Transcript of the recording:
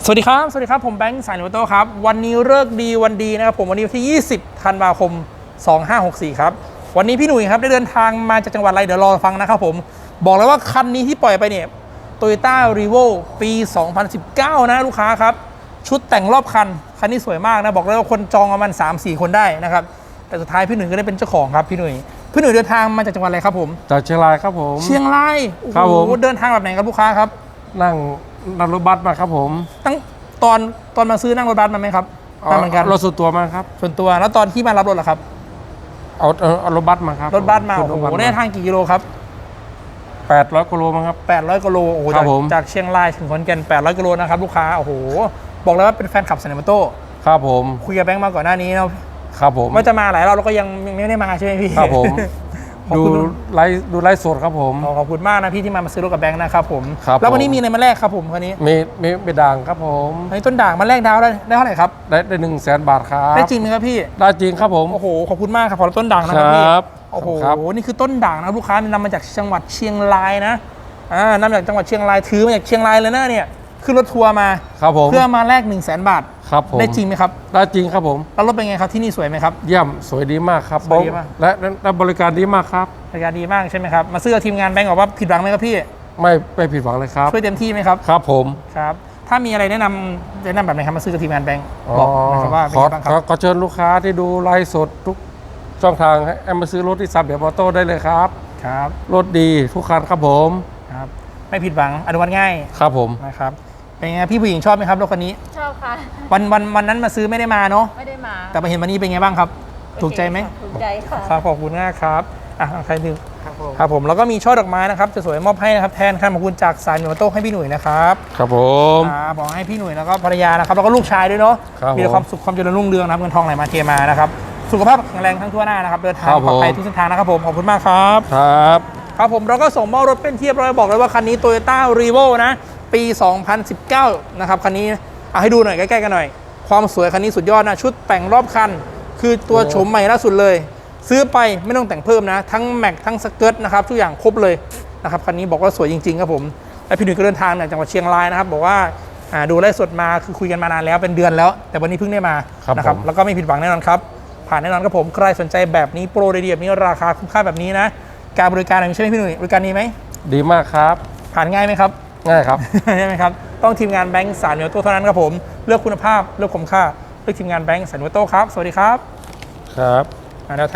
วัสดีครับผมแบงค์สายโนโต้ครับวันนี้เลิกดีวันดีนะครับผมวันนี้ที่20ธันวาคม2564ครับวันนี้พี่หนุ่ยครับได้เดินทางมาจากจังหวัดอะไรเดี๋ยวรอฟังนะครับผมบอกเลยว่าคันนี้ที่ปล่อยไปเนี่ย Toyota Revo ปี 2019 นะลูกค้าครับชุดแต่งรอบคันนี้สวยมากนะบอกเลยว่าคนจองประมาณ 3-4 คนได้นะครับแต่สุดท้ายพี่หนุ่ยก็ได้เป็นเจ้าของครับพี่หนุ่ยเดินทางมาจากจังหวัดอะไรครับผมจากเชียงรายครับผมเชียงรายครับผมเดินทางแบบไหนครับลูกค้าครับนั่งรถบัสมาครับผมตั้งตอนมาซื้อนั่งรถบัสมาไหมครับนั่งเหมือนกันรถส่วนตัวมาครับส่วนตัวแล้วตอนที่มารับรถล่ะครับเอารถบัสมาครับรถบัสมาโอ้โหได้ทางกี่กิโลครับ 800 กิโลมั้งครับ 800 กิโลโอ้โหจากเชียงรายถึงขอนแก่น800 กิโลนะครับลูกค้าโอ้โหบอกเลยว่าเป็นแฟนคลับสเนมโต้ครับผมคุยกับแบงค์มาก่อนหน้านี้นะครับผมว่าจะมาหลายรอบแล้วก็ยังไม่ได้มาใช่ไหมพี่ครับผมดูไลฟ์สดครับผมขอบคุณมากนะพี่ที่มาซื้อรถกับแบงค์นะครับผมครับแล้ววันนี้มีอะไรมาแลกครับผมคันนี้มีด่างครับผมต้นด่างมาแลกดาวได้เท่าไหร่ครับได้100,000 บาทครับได้จริงไหมครับพี่ได้จริงครับผมโอ้โหขอบคุณมากครับขอต้นด่างนะครับพี่โอ้โหนี่คือต้นด่างนะลูกค้านำมาจากจังหวัดเชียงรายนะนำมาจากจังหวัดเชียงรายถือมาจากเชียงรายเลยนะเนี่ยขึ้นรถทัวร์มาครับผมเพื่อมาแลก100,000 บาทครับผมได้จริงไหมครับได้จริงครับผมแล้วรถเป็นไงครับที่นี่สวยไหมครับเยี่ยมสวยดีมากครับสวยดีมากและบริการดีมากครับบริการดีมากใช่ไหมครับมาซื้อกับทีมงานแบงก์บอกว่าผิดหวังไหมครับพี่ไม่ผิดหวังเลยครับช่วยเต็มที่ไหมครับครับผมครับถ้ามีอะไรแนะนำแบบไหนครับมาซื้อกับทีมงานแบงก์บอกนะครับว่าขอเชิญลูกค้าที่ดูไลฟ์สดทุกช่องทางให้มาซื้อรถที่ซับเบียร์มอเตอร์ได้เลยครับครับรถดีทุกคันครับผมครับไม่ผิดหวังอนุมัติง่ายครับผมนะครับเป็นไงพี่ผู้หญิงชอบไหมครับรถคันนี้ชอบค่ะวันนั้นมาซื้อไม่ได้มาเนาะไม่ได้มาแต่มาเห็นวันนี้เป็นไงบ้างครับถูกใจไหมถูกใจค่ะครับขอบคุณมากครับใครดึงครับผมแล้วก็มีช่อดอกไม้นะครับจะสวยมอบให้นะครับแทนคำขอบคุณจากสายโนโต้ให้พี่หนุ่ยนะครับครับผมบอกให้พี่หนุ่ยแล้วก็ภรรยานะครับแล้วก็ลูกชายด้วยเนาะมีความสุขความเจริญรุ่งเรืองนะครับเงินทองไหลมาเทมานะครับสุขภาพแข็งแรงทั้งทั่วหน้านะครับเดินทางปลอดภัยทุกเส้นทางนะครับผมขอบคุณมากครับครับผมเราก็ส่งมอบรถเป็นที่เรียบร้อยบอกเลยว่าคันนี้ Toyota Revo นะปี 2019 นะครับคันนี้เอาให้ดูหน่อยใกล้ๆกันหน่อยความสวยคันนี้สุดยอดนะชุดแต่งรอบคันคือตัวโฉมใหม่ล่าสุดเลยซื้อไปไม่ต้องแต่งเพิ่มนะทั้งแม็กทั้งสเกิร์ตนะครับทุกอย่างครบเลยนะครับคันนี้บอกว่าสวยจริงๆครับผมและพี่หนุ่ยก็เดินทางจากจังหวัดเชียงรายนะครับบอกว่าดูไลฟ์สดมาคือคุยกันมานานแล้วเป็นเดือนแล้วแต่วันนี้เพิ่งได้มานะครับแล้วก็ไม่ผิดหวังแน่นอนครับผ่านแน่นอนครับผมใครสนใจแบบนี้โปรดีๆแบบนี้ราคาคุ้มค่าแบบนี้นะการบริการอะไรใช่ไหมพี่หนุ่ยบริการดีไหมดีมากครับผ่านง่ายไหมครับง่ายครับใช่ไหมครับต้องทีมงานแบงก์สายโนโต้เท่านั้นครับผมเลือกคุณภาพเลือกคุ้มค่าเลือกทีมงานแบงก์สายโนโต้ครับสวัสดีครับครับ